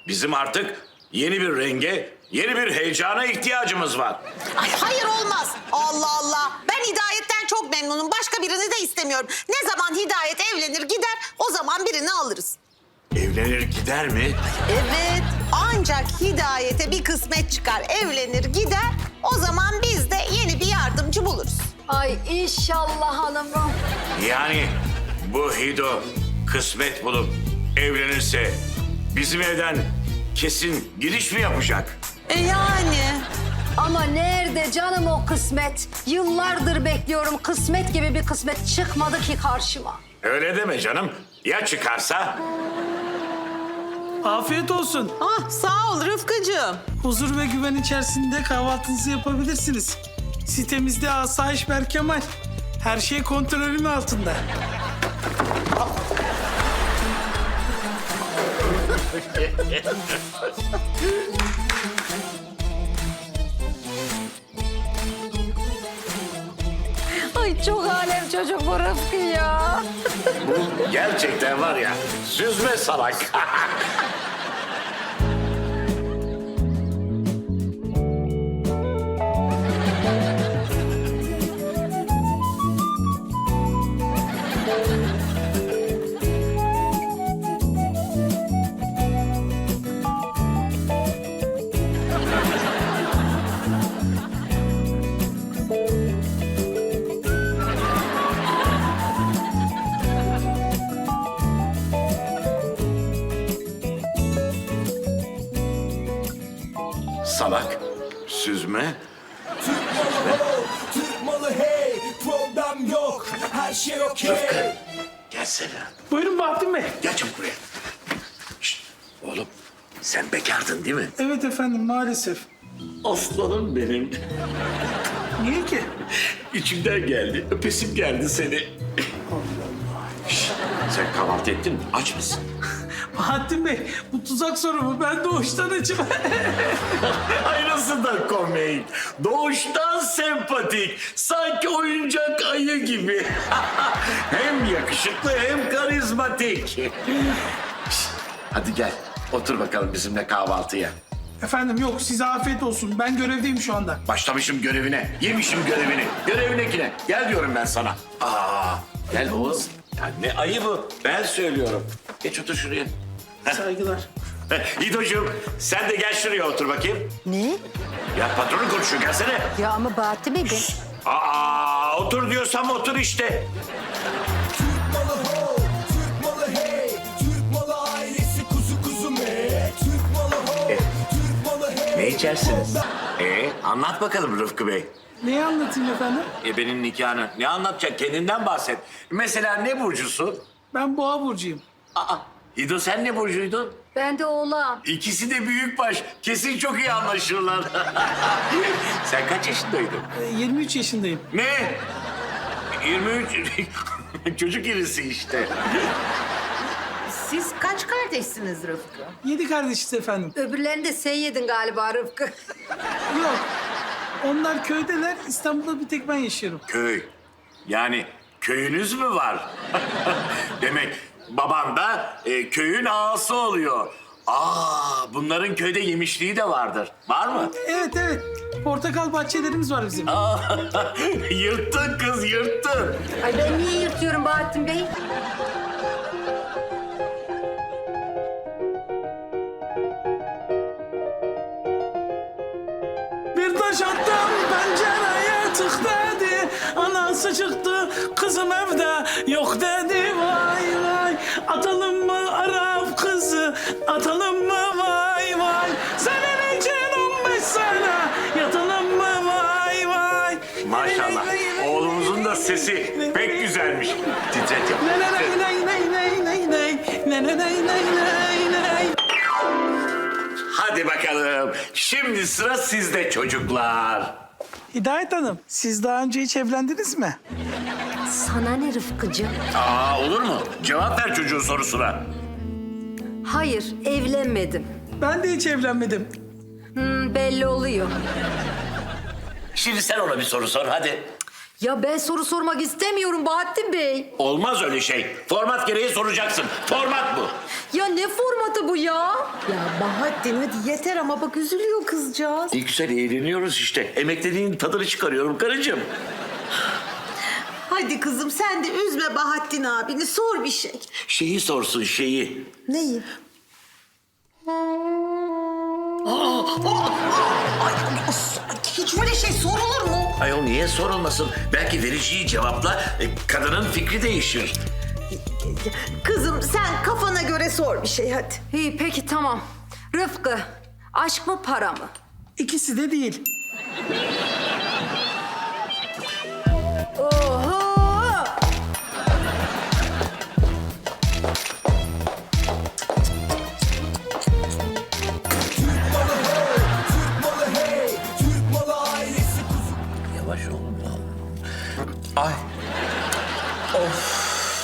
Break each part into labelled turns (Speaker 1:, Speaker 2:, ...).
Speaker 1: Bizim artık yeni bir renge, yeni bir heyecana ihtiyacımız var.
Speaker 2: Ay hayır olmaz. Allah Allah. Ben Hidayet'ten çok memnunum. Başka birini de istemiyorum. Ne zaman Hidayet evlenir gider o zaman birini alırız.
Speaker 1: Evlenir gider mi?
Speaker 2: Evet. Ancak Hidayet'e bir kısmet çıkar. Evlenir gider. O zaman biz de yeni bir yardımcı buluruz.
Speaker 3: Ay inşallah hanımım.
Speaker 1: Yani bu Hido kısmet bulup evlenirse bizim evden kesin giriş mi yapacak?
Speaker 2: Yani.
Speaker 3: Ama nerede canım o kısmet? Yıllardır bekliyorum, kısmet gibi bir kısmet çıkmadı ki karşıma.
Speaker 1: Öyle deme canım. Ya çıkarsa?
Speaker 4: Afiyet olsun.
Speaker 2: Ah sağ ol Rıfkıcığım.
Speaker 4: Huzur ve güven içerisinde kahvaltınızı yapabilirsiniz. Sitemizde asayiş Berkemal. Her şey kontrolün altında.
Speaker 3: Ay çok alem çocuk bu Rıfkı ya.
Speaker 1: Bu gerçekten var ya süzme salak. Salak, süzme.
Speaker 5: Türk malı hey, problem yok, her şey okey.
Speaker 1: Gelsene.
Speaker 4: Buyurun Bahattin Bey.
Speaker 1: Gel çabuk buraya. Şişt, oğlum sen bekardın değil mi?
Speaker 4: Evet efendim maalesef.
Speaker 1: Aslanım benim.
Speaker 4: Niye ki?
Speaker 1: İçimden geldi. Öpesim geldi seni. Şişt, sen kahvaltı ettin mi? Aç mısın?
Speaker 4: Bahattin Bey bu tuzak soru mu? Ben doğuştan açım.
Speaker 1: Aynısından komik. Doğuştan sempatik. Sanki oyuncak ayı gibi. Hem yakışıklı hem karizmatik. Şişt, hadi gel. Otur bakalım bizimle kahvaltıya.
Speaker 4: Efendim yok size afiyet olsun. Ben görevdeyim şu anda.
Speaker 1: Başlamışım görevine. Yemişim görevini. Görevindekine. Gel diyorum ben sana. Gel oğlum. Ya ne ayı bu? Ben söylüyorum. Geç otur şuraya.
Speaker 4: Saygılar.
Speaker 1: İdocuğum sen de gel şuraya otur bakayım.
Speaker 3: Ne?
Speaker 1: Ya patronun konuşuyor gelsene.
Speaker 3: Ya ama Bahattin Bey ben...
Speaker 1: Otur diyorsam otur işte.
Speaker 5: Türk malı ho, Türk malı hey, Türk malı ailesi kuzu kuzu me. Türk malı ho, Türk malı hey.
Speaker 1: Ne içersiniz? Anlat bakalım Rıfkı Bey.
Speaker 4: Neyi anlatayım efendim?
Speaker 1: Benim nikahını. Ne anlatacak? Kendinden bahset. Mesela ne burcusun?
Speaker 4: Ben Boğa burcuyum.
Speaker 1: İdo sen ne burcuydun?
Speaker 3: Ben de oğlan.
Speaker 1: İkisi de büyükbaş. Kesin çok iyi anlaşırlar. Sen kaç yaşındaydın?
Speaker 4: 23 yaşındayım.
Speaker 1: Ne? 23. Çocuk irisi işte.
Speaker 2: Siz kaç kardeşsiniz Rıfkı?
Speaker 4: 7 kardeşiz efendim.
Speaker 3: Öbürlerini de sen yedin galiba Rıfkı.
Speaker 4: Yok. Onlar köydeler. İstanbul'da bir tek ben yaşıyorum.
Speaker 1: Köy. Yani köyünüz mü var? Demek baban da köyün ağası oluyor. Bunların köyde yemişliği de vardır. Var mı?
Speaker 4: Evet evet. Portakal bahçelerimiz var bizim.
Speaker 1: Yırttın kız, yırttın.
Speaker 3: Ay ben niye yırtıyorum Bahattin Bey?
Speaker 4: Bir taş attım pencereye tık dedi. Anası çıktı kızım evde yok dedi. Vay vay atalım mı Arap kızı atalım mı vay vay. Senin için 15 sene yatalım mı vay vay.
Speaker 1: Maşallah. Oğlumuzun da sesi pek güzelmiş. Titret yap.
Speaker 4: Ney ney ney ney ney ney ney ney ney ney ney.
Speaker 1: Hadi bakalım. Şimdi sıra sizde çocuklar.
Speaker 4: Hidayet Hanım, siz daha önce hiç evlendiniz mi?
Speaker 3: Sana ne Rıfkıcığım?
Speaker 1: Olur mu? Cevap ver çocuğun sorusuna.
Speaker 3: Hayır, evlenmedim.
Speaker 4: Ben de hiç evlenmedim.
Speaker 3: Belli oluyor.
Speaker 1: Şimdi sen ona bir soru sor hadi.
Speaker 3: Ya ben soru sormak istemiyorum Bahattin Bey.
Speaker 1: Olmaz öyle şey. Format gereği soracaksın. Format bu.
Speaker 3: Ya ne formatı bu ya?
Speaker 2: Ya Bahattin hadi yeter ama bak üzülüyor kızcağız.
Speaker 1: Ne güzel eğleniyoruz işte. Emekliliğin tadını çıkarıyorum karıcığım.
Speaker 2: Hadi kızım sen de üzme Bahattin abini sor bir şey.
Speaker 1: Şeyi sorsun şeyi.
Speaker 2: Neyi? Hiç öyle şey sorulur mu?
Speaker 1: Ayol niye sorulmasın? Belki vereceği cevapla kadının fikri değişir.
Speaker 2: Kızım sen kafana göre sor bir şey hadi.
Speaker 3: İyi peki tamam. Rıfkı, aşk mı para mı?
Speaker 4: İkisi de değil.
Speaker 3: Oho!
Speaker 5: Türk malı hey, Türk malı ailesi kuzu.
Speaker 1: Yavaş ol. Ay. Of.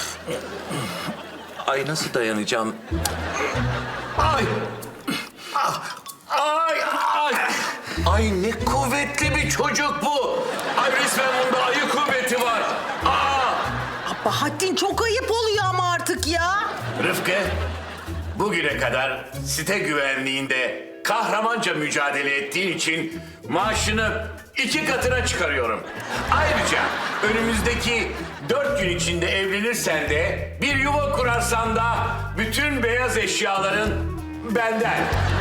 Speaker 1: Ay nasıl dayanacağım? Ay. Ah. Ay ay. Ay ne kuvvetli bir çocuk bu. Ay resmen bunda ayı kuvveti var. Aa.
Speaker 2: Bahattin çok ayıp oluyor ama artık ya.
Speaker 1: Rıfkı, bugüne kadar site güvenliğinde kahramanca mücadele ettiğin için maaşını 2 katına çıkarıyorum. Ayrıca önümüzdeki 4 gün içinde evlenirsen de bir yuva kurarsan da bütün beyaz eşyaların benden.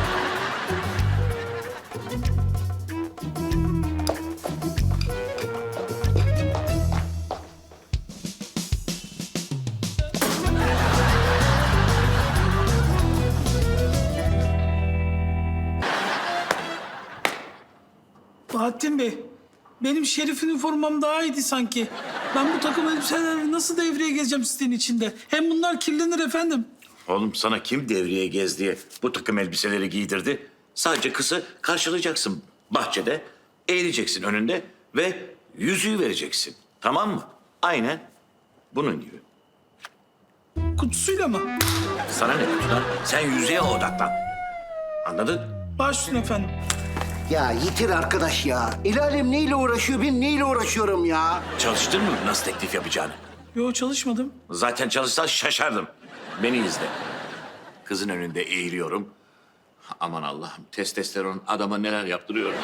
Speaker 4: Bahattin Bey, benim Şerif üniformam daha iyiydi sanki. Ben bu takım elbiselerle nasıl devreye gezeceğim sitenin içinde? Hem bunlar kirlenir efendim.
Speaker 1: Oğlum sana kim devreye gez diye bu takım elbiseleri giydirdi? Sadece kızı karşılayacaksın bahçede, eğileceksin önünde ve yüzüğü vereceksin. Tamam mı? Aynen bunun gibi.
Speaker 4: Kutusuyla mı?
Speaker 1: Sana ne kutudan? Sen yüzüğe odaklan. Anladın?
Speaker 4: Baş üstüne efendim.
Speaker 6: Ya yitir arkadaş ya. El alem neyle uğraşıyor, ben neyle uğraşıyorum ya?
Speaker 1: Çalıştın mı nasıl teklif yapacağını?
Speaker 4: Yo çalışmadım.
Speaker 1: Zaten çalışsan şaşardım. Beni izle. Kızın önünde eğiliyorum. Aman Allah'ım testosteron adama neler yaptırıyor.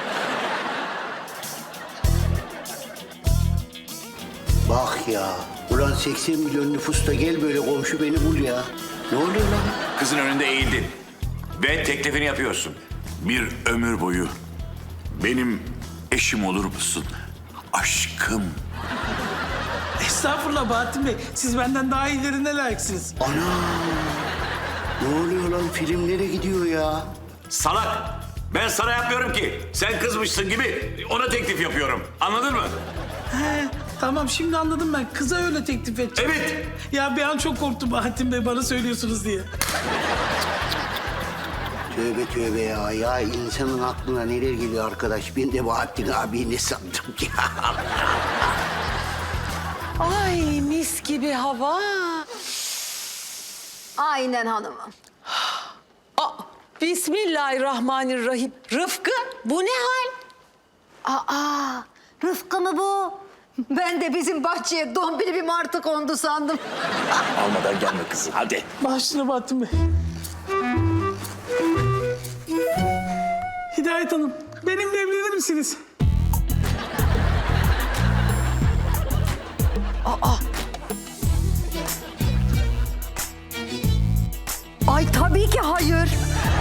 Speaker 6: Bak ya. Ulan 80 milyon nüfusta gel böyle komşu beni bul ya. Ne oluyor lan?
Speaker 1: Kızın önünde eğildin. Ve teklifini yapıyorsun. Bir ömür boyu benim eşim olur musun? Aşkım.
Speaker 4: Estağfurullah Bahattin Bey. Siz benden daha iyilerine layıksınız.
Speaker 6: Ana. Ne oluyor lan? Film nereye gidiyor ya?
Speaker 1: Salak. Ben sana yapmıyorum ki. Sen kızmışsın gibi ona teklif yapıyorum. Anladın mı?
Speaker 4: He, tamam şimdi anladım ben. Kıza öyle teklif edeceğim.
Speaker 1: Evet.
Speaker 4: Ya bir an çok korktum Bahattin Bey bana söylüyorsunuz diye.
Speaker 6: Tövbe tövbe ya. Ya insanın aklına neler geliyor arkadaş? Ben de Bahattin abi ne sandım ya.
Speaker 2: Ay mis gibi hava.
Speaker 3: Aynen hanımım.
Speaker 2: Aa, Bismillahirrahmanirrahim. Rıfkı bu ne hal?
Speaker 3: Aa, Rıfkı mı bu? Ben de bizim bahçeye dombili bir martı kondu sandım.
Speaker 1: Almadan gelme kızım hadi.
Speaker 4: Baş üstüne Bahattin Bey. Hidayet Hanım, benimle evlenir misiniz?
Speaker 3: Ay tabii ki hayır.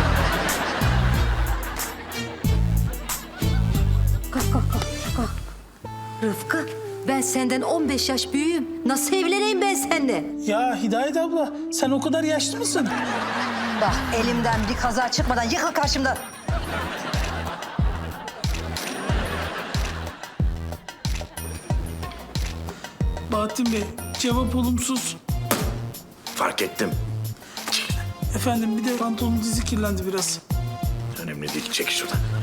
Speaker 3: Kalk kalk kalk kalk. Rıfkı ben senden 15 yaş büyüğüm. Nasıl evleneyim ben seninle?
Speaker 4: Ya Hidayet abla, sen o kadar yaşlı mısın?
Speaker 3: Bak elimden bir kaza çıkmadan yıkıl karşımda.
Speaker 4: Bahattin Bey, cevap olumsuz.
Speaker 1: Fark ettim.
Speaker 4: Efendim bir de pantolonun dizi kirlendi biraz.
Speaker 1: Önemli değil çek şuradan.